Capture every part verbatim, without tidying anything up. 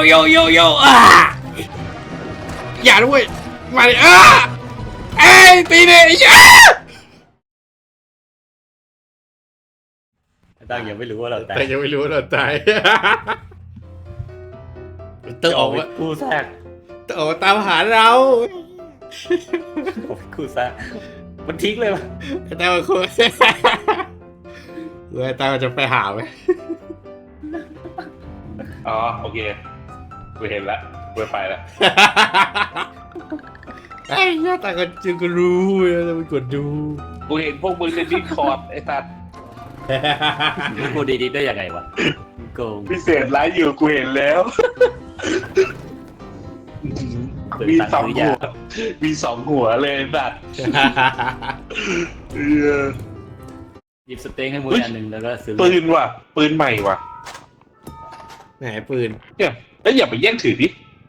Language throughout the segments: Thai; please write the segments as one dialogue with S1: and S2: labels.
S1: โยโยโยอ่าอย่าด้วยมาดิอ่าเอ้ยตีเนี่ยอ่า
S2: ตั้งยังไม่รู้ว่าเราตาย
S1: แต่ยังไม่รู้ว่าเราตายต้องออกมา
S2: คู่แทรก
S1: ต้องออกมาตามหาเรา
S2: คู่แทรกมันทิ้งเลยปะ
S1: แต่ว่าคุณเว้ยตาจะไปหาไหม
S3: อ๋อโอเคกูเห็นละกูไปละ
S1: ไอ้หน้าตาก็จึงก็รู้จะไปกดดู
S3: กูเห็นพวกมึงในดิสคอร์ดไอ้สัตว์
S2: กูดีๆได้ยังไงวะโกง
S3: พิเศษไลฟ์อยู่กูเห็นแล้ว มีสองหัวมีสองหัวเลยไอ้สัตว์เออ
S2: หยิบสเต็งให้มืออันหนึ่งแล้วก็ซื้อ
S3: ปืนว่ะปืนใหม่ว่ะ
S1: ไหนปืน
S3: เนี่ยแล้วอย่าไปแย่งถือดิ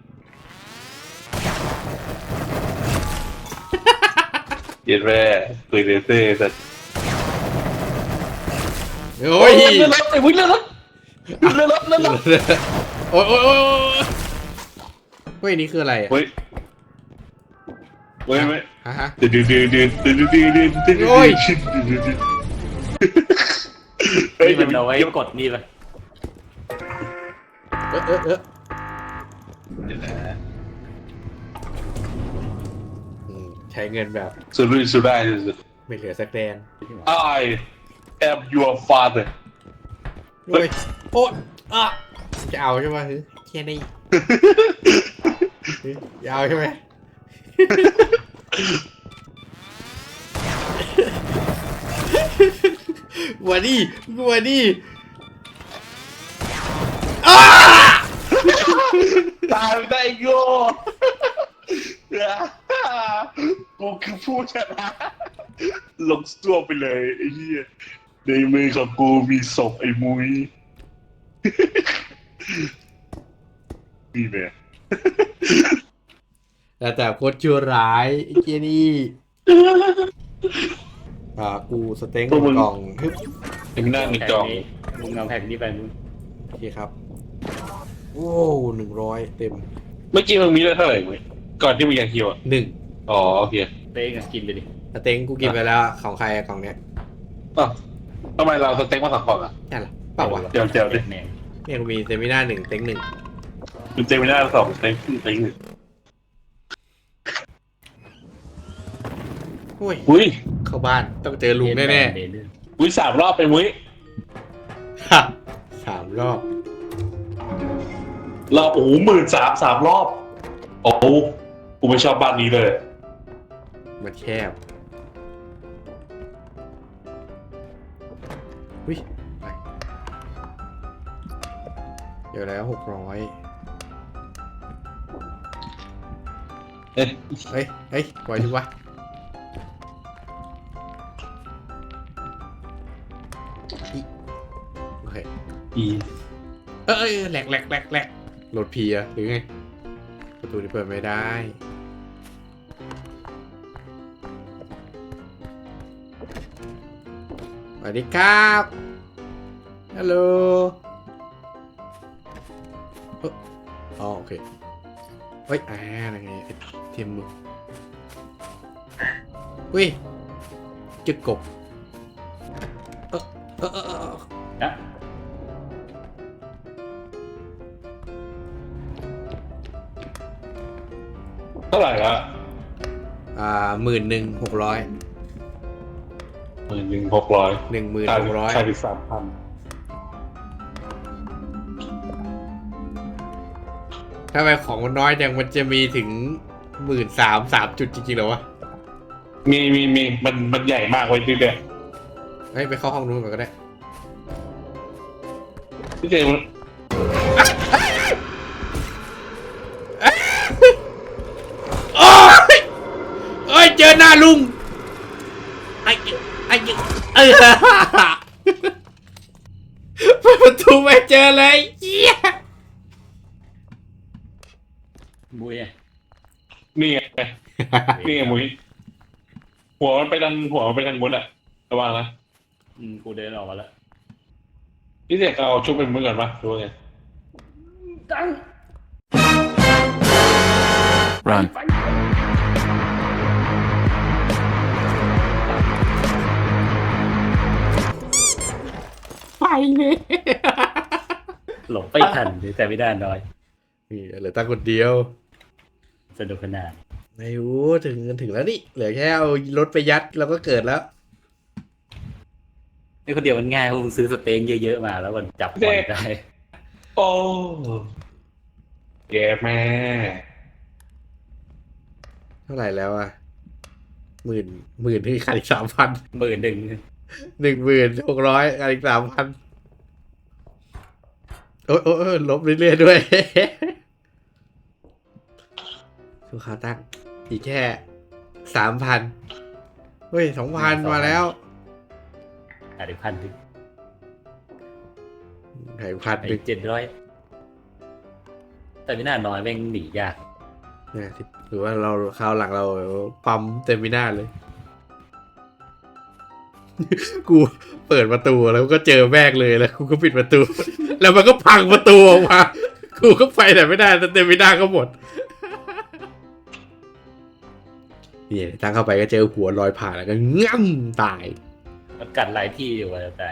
S3: เย็นแม่ปืนเลเซอร์สัตว์
S1: โอ้ย
S3: เลื่อนรถไอ้วิ่งเลื่อนรถเลื่อนรถเลื่อนรถ
S1: โอ้ยโอ้ยโอ้ยเฮ้ยนี่คืออะไร
S3: เฮ้ยเฮ้ยเฮ้ย
S1: ฮะฮะ
S3: ดืดดืดดืดดืดดืดดืดดืดดืด
S1: โอ้ย
S3: เฮ้ย
S2: นี่
S3: อย่า
S2: มันเอาไว้
S3: อย่าก
S2: ดนี่ปะ
S1: เออเออเอออืมใช้เงินแบบ
S3: สุดรุ่ยสุดได้สุด
S1: ไม่เหลือสักแดน
S3: I am your father
S1: โอ้ยโอ้ยอ่ะจะเอาใช่ไหมฮึแค่นี้จะเอาใช่ไหมวันนี้วันนี้อ้า
S3: ตายไม่ได้โยกูคือผู้ชนะลงตัวไปเลยไอ้เหี้ยในมือของกูมีศพไอ้มุ้ยนี่แม่
S1: แต่แต่โคตรชั่วร้ายไอ้เจนี่อ่ากูสเต็งกล่องฮึบ
S3: ถึงหน้าในกล่อง
S2: มึงเอาแผ่นนี้ไปมึง
S1: โอเคครับโอ้หนึ่งร้อยเต็ม
S3: เมื่อกี้มึงมีเลือดเท่าไหร่มึงก่อนที่มึงอยากคิวอ่ะ
S1: หนึ่ง
S3: อ๋อโอเค
S2: เต็งอะกินไปดิ
S1: สเต็งกูกินไปแล้วของใครอะกล่องเนี้ย
S3: อ้าวทำไมเราสเต็กมาสองกล่องอ่ะ
S1: นั่นล่ะเปล่าวะ
S3: เจียวเจียวดิ
S2: แหนง
S1: เนี่ยกูมีเซมิน่าหนึ่งเต็งหนึ่ง
S3: คุณเจมิน่าสองสเต็กสเต็กหนึ่ง
S1: โอ้ย
S3: อุ้ย
S1: เข้าบ้านต้องเจอลุงแน่
S2: เด
S3: อุ้ยสามรอบเป็นมุ้ย
S1: ๆฮะสามรอบ
S3: รอบโอ้โหหมื่นสามสามรอบ โอ้กูไม่ชอบบ้านนี้เลย
S1: มันแคบอุ้ยไปเดี๋ยวแล้วหกร้อย
S3: เอ๊ะ
S1: เฮ้ยเฮ้ยปล่อยดีวะอิโอเค
S3: อี
S1: เออเออแหลกแหลกแหลกแหลกโหลดพีอะหรือไงประตูนี้เปิดไม่ได้สวัสดีครับฮัลโหลเอ้ออ๋อโอเคเฮ้ยอ่าอะไรไงเทียมมือเฮ้ยจึกกบเออเออเออเออ
S2: นะ
S3: เท่าไหร่ละ
S1: อ่าหมื่นหนึ่งหกร้อย
S3: หมื่นหนึ่งหกร้อย
S1: หนึ่งหมื่นหกร้อย
S3: ใช่ไปสามพัน
S1: ถ้าไปของมันน้อยจังมันจะมีถึงหมื่นสามสามจุดจริงๆเหรอวะ
S3: มีมีมีมันมันใหญ่มากไว้ที่เดียว
S1: เฮ้ยไปเข้าห้องนู้นก่อนก็ได้
S3: พี่เจมัน
S1: โอ้ยเอ้ยเจอหน้าลุงไอ้ไอ้เออเปิดประตูไม่เจอเลยเหี้ย
S2: บุ้ยอะ
S3: นี่ไงนี่ไงมุ้ยหัวมันไปทางหัวมันไปทางมุ้นอะระวังนะ
S2: อืมกูเดินออกมาแล้ว
S3: พี่เจเอาชุบเป็นมุ้ยก่อนปะดูไง
S2: ตั้ง
S4: Run.
S1: ไปเลย
S2: หลงไปทันแต่ไม่ได้น้อย
S1: นี่เหลือตั้งคนเดียว
S2: สนุกขนาด
S1: ไม่รู้ถึงถึงแล้วนี่เหลือแค่เอารถไปยัดเราก็เกิดแล้ว
S2: นี่คนเดียวมันง่ายเพราะมึงซื้อสเต็งเยอะๆมาแล้วมันจับบอลได้
S3: โอ้แกแม่
S1: เท่าไหร่แล้วอ่ะหมื่นหมื่นที่ขาดอีกสามพัน
S2: หมื่นหนึ่ง
S1: หนึ่งหมื่นหกร้อยขาดอีกสามพันโอ้ยโอ้ยโอ้ยลบเรื่อยๆด้วยสุขาตั้งอีกแค่สามพันเฮ้ยสองพันมาแล้ว
S2: อ่ะเดี๋ยวพันถึง
S1: หายพันห
S2: ไอ้
S1: นึ่ง
S2: เจ็ดร้อยแต่ไม่น่าน้อยแม่งหนียาก
S1: นะหรือว่าเราคราวหลังเราปั๊มเต็มมิน่าเลย กูเปิดประตูแล้วก็เจอแม่งเลยแล้วกูก็ปิดประตู แล้วมันก็พังประตูออกมา กูก็ไปไหนไม่ได้แต่เต็มมิน่าก็หมด นี่ตั้งเข้าไปก็เจอหัวลอยผ่านแล้วก็ง่ำตาย
S2: มันกัดหลายที่อยู่ว่าจะตาย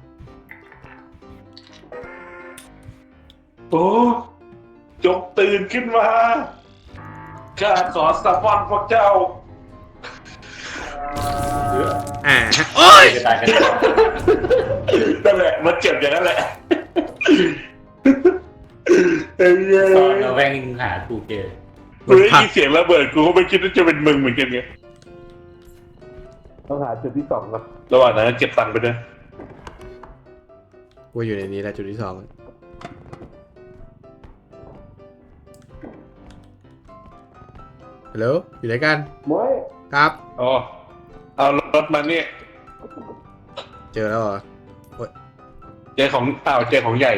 S3: โอ้จงตื่นขึ้นมาข้าขอสัมพันธ์พวกเจ้า
S1: อ่าโอ้ย
S2: จะตายกัน
S3: นั่นแหละมันเจ็บอย่างนั้นแหละไอ้เหี้ย
S2: ตอนเราแม่งหากูเจอ
S3: กูได้ยินเสียงระเบิดกูก็ไม่คิดว่าจะเป็นมึงเหมือนกันไงต้องหาจุดที่สองนะระหว่างนั้นเก็บตังค์ไปด้วย
S1: กูอยู่ในนี้แล้วจุดที่สองฮัลโหลอยู่ไหนกัน
S3: มวย
S1: ครับ
S3: อ๋อเอารถมาเนี่ย
S1: เจอแล้วเหรอ
S3: เจอของอ้าวเจอของใหญ่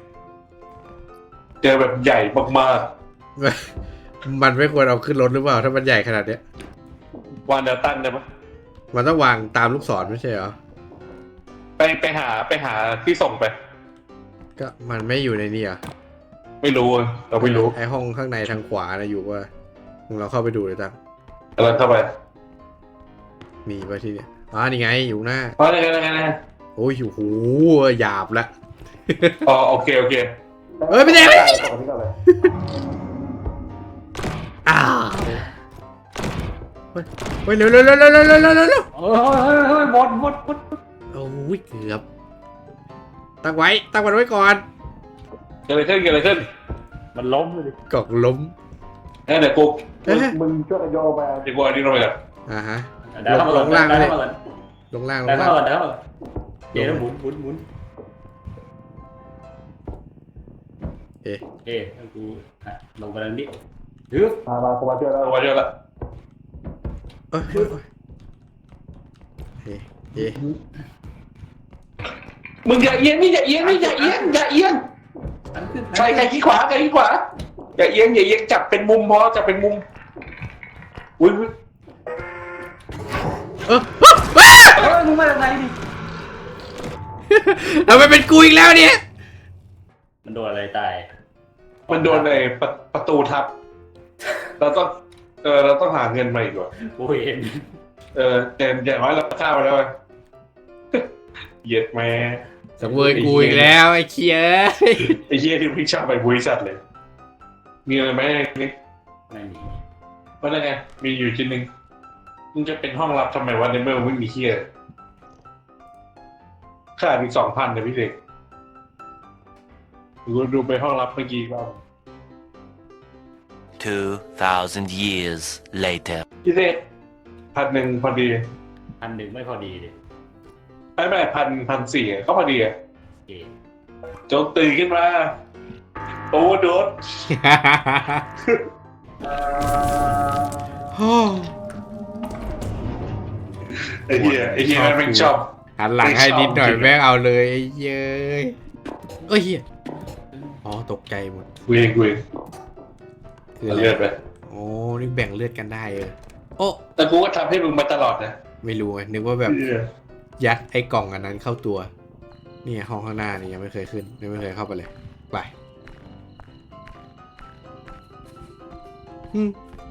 S3: เจอแบบใหญ่มาก
S1: มันไม่ควรเอาขึ้นรถหรือเปล่าถ้ามันใหญ่ขนาดเนี้ย
S3: ๆวางแนวตั้งได้ไหม
S1: มันต้องวางตามลูกศรไม่ใช่เหรอ
S3: ไปไปหาไปหาที่ส่งไป
S1: ก็มันไม่อยู่ในนี่อ่ะ
S3: ไม่รู้อะเราไม่รู้
S1: ไอห้องข้างในทางขวานะอยู่ว่ามึงเราเข้าไปดูเลยตั้ง
S3: กำลังเข้าไป
S1: มีไว้ที่เนี่ยอ๋อนี่ไงอยู่หน้า
S3: อ๋อไงไงไง
S1: โอ้ยโอ้โหหยาบละ
S3: อ๋อโอเคโอเค
S1: เฮ้ยไม่ได้ไม่ได้อ้าวเฮ้ยเฮ้ยเร็วเร็วเร็วเร็วเร็วเร็วเร็วเร็ว
S2: โอ้ยเฮ้ยเฮ้ยหมดหมดหมด
S1: โอ้ยเกือบตั้งไว้ตั้งมันไว้ก่อน
S3: เกิดอะไรขึ้นเกิดอะไรขึ้น
S2: มันล้มเลย
S1: กล่องล้ม
S3: เอ้ยเดี๋ยวกู
S1: เอ๊ะ
S3: มึงช่วยโยไปเดี๋ยวกูเอาอันนี้ลงไปก่อน
S1: อ่าฮะ
S2: เดี๋ยวเข้ามา
S1: ลงล่าง
S2: เดี๋ยว
S1: เลย
S2: เข้ามา
S1: ลงล่างล
S2: เดี๋ยว
S1: งล่า
S2: เข้าง มาเดี๋ยวเข้ามาเดี๋ยวหมุนหมุนหมุน
S1: เอ๊ะ
S2: เอ๊ะกูอ่ะลงไปแล้วนี่ฮึบ
S3: มามากูมาช่วยแล้วกูมาช่วยแล้ว
S1: เอ้ยเอ้ยเอ๊ะเอ๊ะ
S3: มึงอย่าเอียงนี่อย่าเอียงนี่อย่าเอียงอย่าเอียง
S2: อันขึ้น
S3: ใครใครขี้ขวาใครขี้ขวาอย่าเอียงอย่าเอียงจับเป็นมุมพอจับเป็นมุมอุ้ย
S1: เออ
S2: เฮ้ยมึงมาจากไหนดิ
S1: ทำไมเป็นกูอีกแล้วเนี่ย
S2: มันโดนอะไรตาย
S3: มันโดนในประประตูทับเราต้องเออเราต้องหาเงินมาอีกว่ะ
S2: กูเห็น
S3: เออแต่อย่างน้อยเราฆ่าไปแล้วไงเหยียดแม่
S1: สังเวยกูอีกแล้วไอ้เคีย
S3: ไอ้เหี้ยที่พี่ชอบไปบริษัทเลย มีอะไรไหมนี่
S2: ไม่มี
S3: ว่าไงมีอยู่ชิ้นหนึ่งมันจะเป็นห้องลับทำไมวะในเมื่อไม่มีเฮียค่าอีกสองพันเนี่ยพี่เด็กดูดูไปห้องลับเมื่อกี้ว่า
S4: Two thousand years later.
S3: พี่เด็กพันหนึ่งพอดี
S2: อันหนึ่งไม่พอดีเลย
S3: ไม่ไม่พันพันสี่ก็พอดีอะ
S2: โอเค
S3: จงตื่นขึ้นมาโอ้โดด ไอ้เหี้ยไอ้เหี้ยมันไม่ชอบ
S1: หันหลังให้นิดหน่อยแม่งเอาเลยไอ้เย้ยเอ้ยเหี้ยอ๋อตกใจหมด
S3: กูเองกูเอง
S1: คืออะไร
S3: เลือดไป
S1: โอ้นี่แบ่งเลือดกันได้เออโอ้
S3: แต่กูก็ทำให้มึงมาตลอดนะ
S1: ไม่รู้ไงนึกว่าแบบ
S3: เหี้ย
S1: ยัดไอ้กล่องอันนั้นเข้าตัวนี่ห้องข้างหน้านี่ยังไม่เคยขึ้นยังไม่เคยเข้าไปเลยไปอืม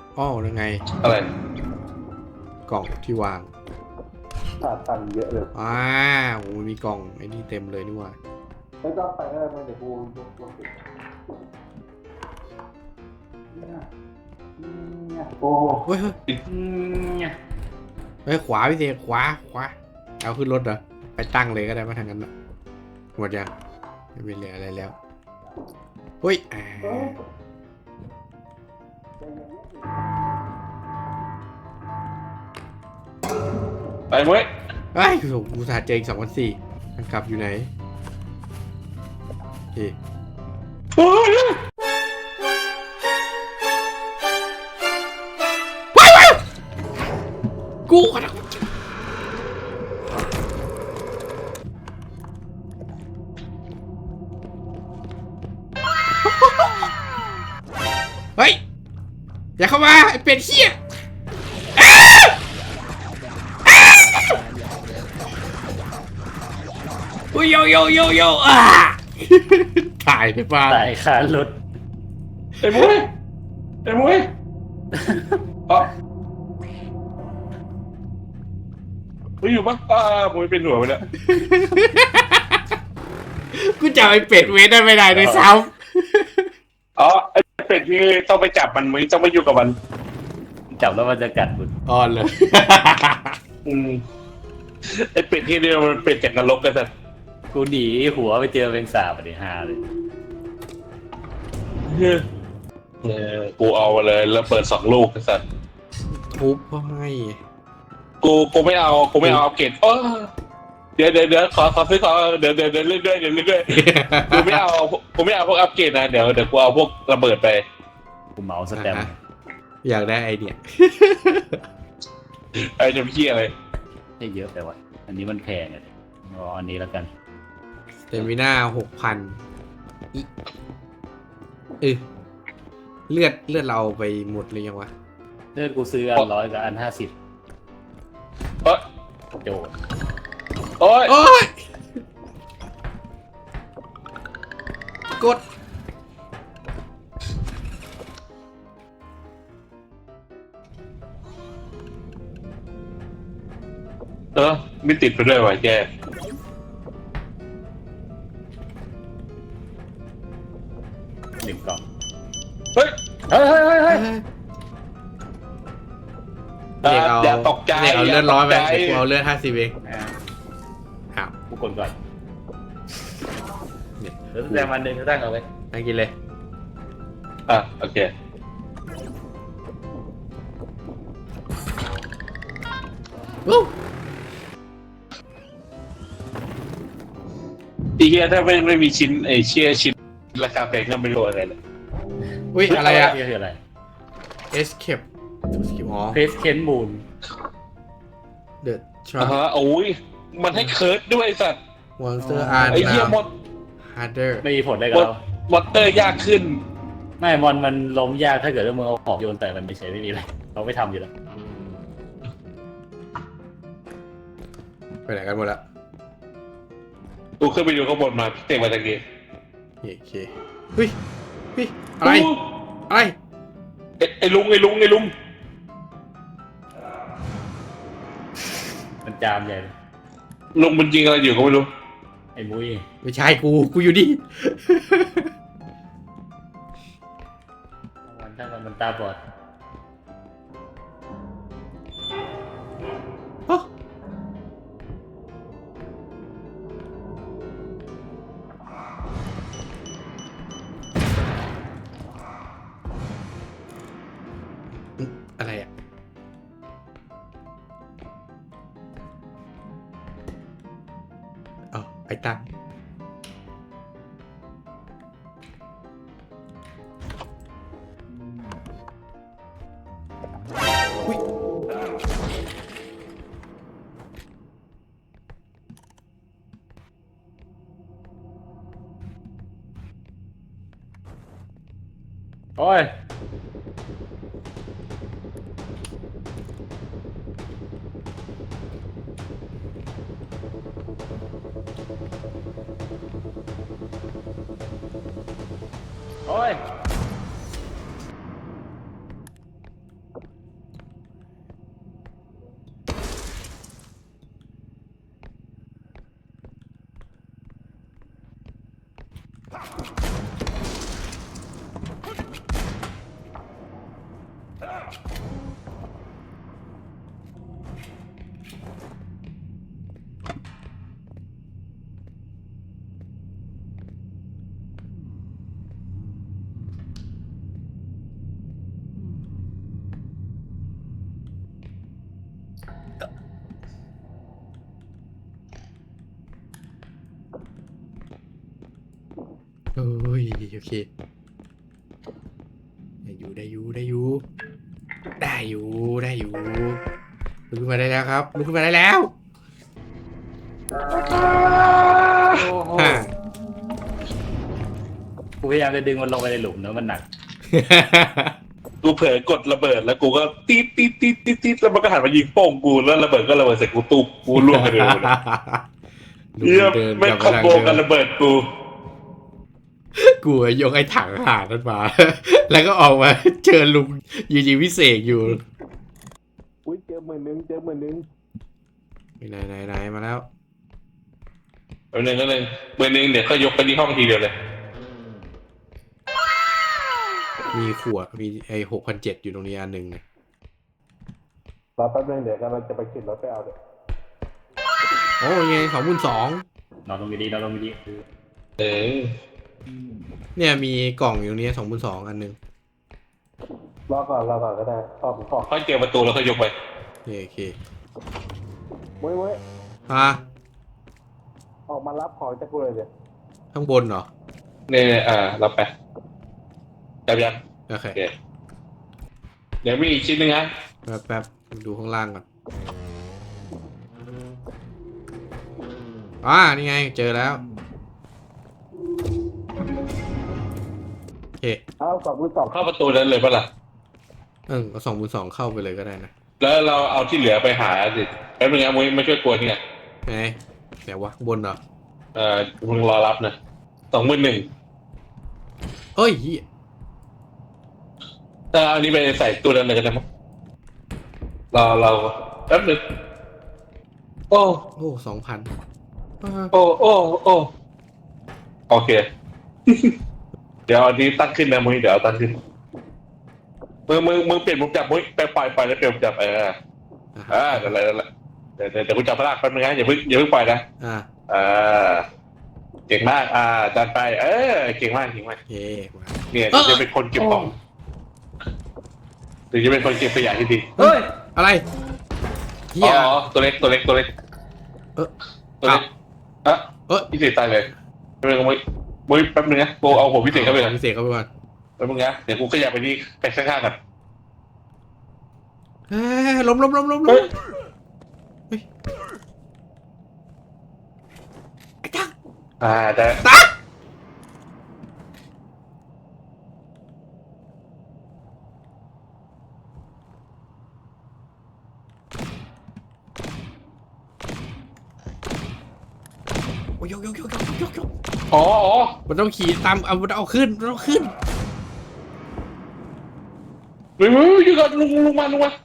S1: อ้อยังไง
S3: อะไร
S1: กล่องที่วาง
S5: ขาดตังค์เยอะเลย
S1: อ่าโอ้มีกล่องไอ้นี่เต็มเลยนี่หว่า
S5: ไม่ต้องไปอะไรมาเดี๋ยวกูยกตัวติดเนี่ยเนี่ยโอ้
S1: เฮ้ยเฮ้ย
S2: เนี่ย
S1: เฮ้ยขวาพี่เสกขวาขวาเอาขึ้นรถเหรอไปตั้งเลยก็ได้มาทางนั้นนะหมดยังไม่มีเหลืออะไรแล้วเฮ้ยอ่า
S3: ไปเว้ย
S1: เฮ้ยโอ้โหกูสาห์เจออีกสองพันสี่มันกลับอยู่ไหนโอเค
S3: โอ้ย
S1: กูขอโทษเฮ้ย อย่าเข้ามาไอ้เป็ดเหี้ยอ้าอ้าอุ้ยโยโยโยโยอ่าถ่ายไปบ้าน
S2: ตายคารถ
S3: ไอ้มุ้ยไอ้มุ้ยอ๋อมุ้ยอยู่ปะอ่ามุ้ยเป็นหัวไปแล้ว
S1: กูจับไอ้เป็ดเวทได้ไม่ได้เลยซ้
S3: อ๋อไอ้เป็ดนี่ต้องไปจับมันมุ้ยต้องไปอยู่กับมัน
S2: จับแล้วมันจะกัดคุณ
S1: ำอ่อนเลย
S3: อืมไอ้เป็ดที่เดียวมันเป็ดจากนรกกันแต่
S2: กูหนีหัวไปเจอเป็นสาบไปฮาเลย
S3: เออกูเอามาเลยแล้วเปิดสองลูกไอ้สัส
S1: ทุบเขาให้
S3: กูกูไม่เอากูไม่เอาเอาเกตเออเดี๋ยวเดี๋ยวเดี๋ยวขอขอซื้อขอเดี๋ยวเดี๋ยวเดี๋ยวเรื่อยๆเดี๋ยวเรื่อยๆกูไม่เอากูไม่เอาพวกอัปเกรดนะเดี๋ยวเดี๋ยวกูเอาพวกระเบิดไป
S2: กูเหมาสแตมป์
S1: อ่าฮะ อยากได้ไอเดีย
S3: ไอ้จะพี่อะไร
S2: ให้เยอะไปวะอันนี้มันแพงอ่ะอ๋ออันนี้แล้วกัน
S1: เตมิน่าหกพันอีเออเลือดเลือดเราไปหมดเลยยังวะ
S2: เลือดกูซื้ออันร้อยกับอันห้าสิบ
S3: เอ้ย
S2: โจทย์
S3: โอ้ย
S1: โอ้ย กด
S3: เออไม่ติดไปด้วยว่ะแก
S2: หนึ่งกล่อง
S3: เฮ้ย
S2: เฮ้ยเฮ้ยเฮ้ยเฮ้ย
S1: เด็กเอา
S3: อย่าตกใจ
S1: เด็กเอาเลือดร้อยไป
S3: ย่าตกใจ
S1: เด็กกูเอาเลือดห้าสิบเอง
S2: อ่า
S1: อ้าว
S2: กูกดก่อน
S1: เนี่ย
S2: เดี๋ยวแซมวันหนึ่งตั้งเอาไว้
S1: นั่งกินเลย
S3: อ่ะโอเค
S1: วู้
S3: อีเฮียถ้าไม่ไม่มีชิ้นไอ้เชี่ยชิ้นราคาแพงก็ไม่รู้อะไรเลย
S1: อุ้ยอะไรอะ
S2: นี่คืออะไร
S1: escape to skip อ๋อ
S2: เพสเคนมูน
S1: the
S3: อ่า
S1: trap
S3: ฮะโอ้ยมันให้เคิร์ดด้วยไอ้สัตว์
S1: monster are
S3: ไอ้เหี้ย
S1: now
S3: มด
S1: harder
S2: ไม่มีผลได้
S3: ม
S2: กับ
S3: ด
S2: เรา
S3: มอเตอร์ยากขึ้น
S2: ไม่มอนมันล้มยากถ้าเกิดว่ามึงเอาของโยนแต่มันไม่ใช่ไม่มีอะไรเราไม่ทำอยู่แล้ว
S1: ไปไหนกันหมดละ
S3: กูขึ้นไปดูข้างบนมาพี่เตะมาจากนี้
S1: โอเคเฮ้ยเฮ้ยอะไรอะไร
S3: ไอ้ไอ้ลุงไอ้ลุงไอ้ลุง
S2: มันจามใหญ่เลย
S3: ลุงมันยิงอะไรอยู่ก็ไม่รู้
S2: ไอ้มุ้ย
S1: ไม่ใช่กูกูอยู่นี่
S2: มันถ้ามันมันตาบอด
S1: ฮะอะไรอ่ะอ๋อไอ้ตังอุ๊ย
S2: โอ้ยโอ้ย
S1: เฮ้ยโอเคได้อยู่ได้อยู่ได้อยู่ได้อยู่ได้อยู่ลุกขึ้นมาได้แล้วครับลุกขึ้นมาได้แล้ว
S5: โอ้โห
S1: ฮ่า
S2: กูพยายามจะดึงมันลงไปในหลุมนะมันหนัก
S3: กูเผลอกดระเบิดแล้วกูก็ตีดตีดตีดตีดตีดแล้วมันก็หันมายิงโป้งกูแล้วระเบิดก็ระเบิดใส่กูตุบกูล่วงไปเลยเยี่ยมไม่คอมโบกันระเบิดกู
S1: กูยกไอ้ถังหานั้นมา แล้วก็ออกมาเจอลุงยืนยิงวิเศษอยู่
S5: อุ้ยเจอหมื่นนึงเจอหมื่นนึง
S1: ไหนไหนไหนมาแล้ว
S3: เอาหนึ่งก็เลยเบอร์หนึ่งเดี๋ยวก็ยกไปที่ห้องทีเดียวเลย
S1: มีขวดมีไอ้หกพันเจ็ดอยู่ตรงนี้อันหนึ่งเนี่ย
S5: รอแป๊บนึงเดี๋ยวกำลังจะไปขึ้นรถไปเอาเดี๋ยว
S1: โอ้ยไงสองพันสอง
S2: นอนลงดีๆนอนลงดี
S3: เออ
S1: เนี่ยมีกล่องอยู่ตรงนี้สองพันสองอันหนึ่ง
S5: รอก่อนรอก่อนก็ได้ขอบขอบ
S3: ค่อยเจอประตูแล้วค่อยยกไป
S1: โอเคโอเค
S5: เว้ยเว้ย
S1: ฮะ
S5: ออกมารับของจากกูเลยเดี๋ยว
S1: ข้างบนเหรอ
S3: เนี่ยอ่ารับไปจับยัง
S1: โอเค
S3: โอเคเดี๋ยวมีอีกชิ้นหนึงฮะ
S1: แป๊บแป๊บดูข้างล่างก่อนอ่านี่ไงเจอแล้วโอเค
S5: เอาสองมือสอง
S3: เข้าประตูนั้นเลยปะล่ะ
S1: เออเอาสองพันสองเข้าไปเลยก็ได้นะ
S3: แล้วเราเอาที่เหลือไปหาสิแป๊บนึงนะมุ้ยมาช่วยกวนนี่ไง
S1: ไหนไหนวะข้างบนเหรอ
S3: เอ่อมึงรอรับนะสองหมื่นหนึ่ง
S1: เอ้ยเหี้ย
S3: ถ้าเอาอันนี้ไปใส่ตู้นั้นเลยก็ได้มั้งเราเราแป๊บนึงโอ้
S1: โอ้สองพัน
S3: โอ้โอ้โอ้โอเค เดี๋ยวอันนี้ตั้งขึ้นนะมุ้ยเดี๋ยวเอาตั้งขึ้นมึงมึงมึงเปลี่ยนมุมจับมุ้ยไปปล่อยปล่อยแล้วเปลี่ยนมุมจับเอออ่าเดี๋ยวอะไรเดี๋ยวอะไรเดี๋ยวเดี๋ยวเดี๋ยวกูจับพลากแป๊บนึงนะอย่าเพิ่งอย่าเพิ่งปล่อยนะ
S1: อ่า
S3: อ่าเก่งมากอ่าจัดไปเออเก่งมากเก่งมาก
S1: โอเคมา
S3: เนี่ยเดี๋ยวจะเป็นคนเก็บของหรือจะเป็นคนเก็บขยะที่ดี
S1: เฮ้ยอะไรเฮี
S3: อ๋
S1: ย
S3: อตัวเล็กตัวเล็กตัวเล็ก
S1: เออ
S3: ตัวเล็กอ่ะ
S1: เออ
S3: พิเศษตายเลยแป๊บนึงมุ้ยมุ้ยแป๊บนึงนะกูเอาผมพิเศษเข้าไปก่อน
S1: พิเศษเข้าไปก่อน
S3: แป๊บนึงนะเดี๋ยวกูขยับไปที่ไปข้างๆกัน
S1: เฮ้ยล้มล้มล้มล้มล้
S3: เฮ้
S1: ม
S3: ย
S1: เฮ้ยไอ้จัง
S3: อ่าแต่
S1: ตาโอ้ยยกยกยกยกยกยก
S3: อ๋ออ๋อ
S1: มันต้องขี่ตามเอามันเอาขึ้นมันเอาขึ้น
S3: เฮ้ยเฮ้ยเฮ้ยอยู่ก่อนลุงลุงมาลุงมา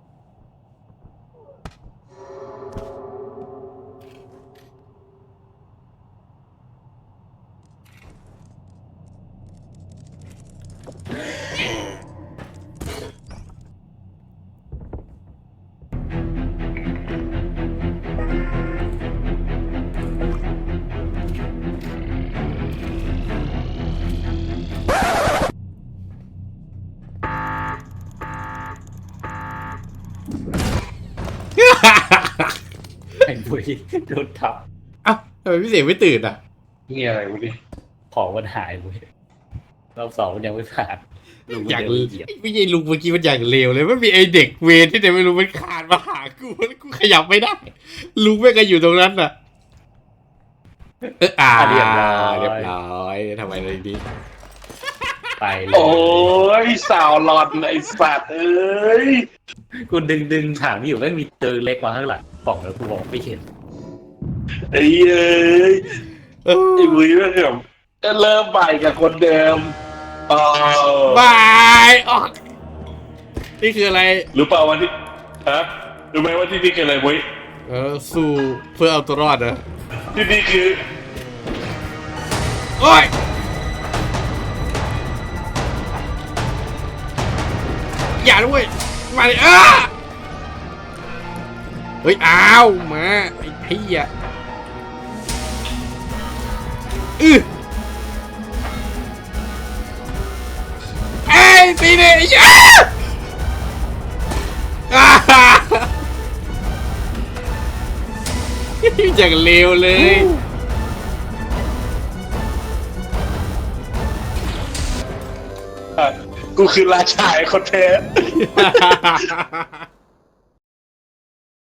S2: ๆไอ้บุยโดนทับ
S1: เอ้าทำไมพี่เสียงไม่ตื่นอ่ะ
S3: นี่อะไรวะเนี่ย
S2: ของมันหายบุยรอบสองมันยังไม่ผ่านลุง
S1: อย่าง
S2: เดินเหยียบ
S1: ไม่ใช่ลุงเมื่อกี้มันอย่างเลวเลยมันมีไอเด็กเวรที่ไหนไม่รู้มันคานมาหากูแล้วกูขยับไม่ได้ ลุงแม่งก็อยู่ตรงนั้นน่ะเอออ่า
S2: เรียบร้อย
S1: เรียบร้อยทำไมอะไรดี
S2: ไปเลย
S3: โอ้ยสาวหลอดไอ้สัตว์เอ้ย
S2: กูดึงดึงถามอยู่ไม่มีเจอเล็กมาข้างหลังป่องแล้วกูบอกไม่เห็น
S3: ไอ้เอ้ย
S1: เออ
S3: ไอ้บุ้ยเรื่องแบบเริ่มใหม่กับคนเดิมอ๋อบ
S1: ายออกนี่คืออะไร
S3: รู้เปล่าวันที่ฮะรู้ไหมว่าที่นี่คืออะไรบุ้ย
S1: เออสู้เพื่อเอาตัวรอดเหรอ
S3: ที่นี่คือ
S1: โอ้ยอย่าด้วยมาเลยอ้าเฮ้ยอ้าวมาไอ้เหี้ยอือเอ้ยตีเนี่ยไอ้เหี้ยอ้าอย่างเลวเลย
S3: กูคือราชาไอ้คนแท้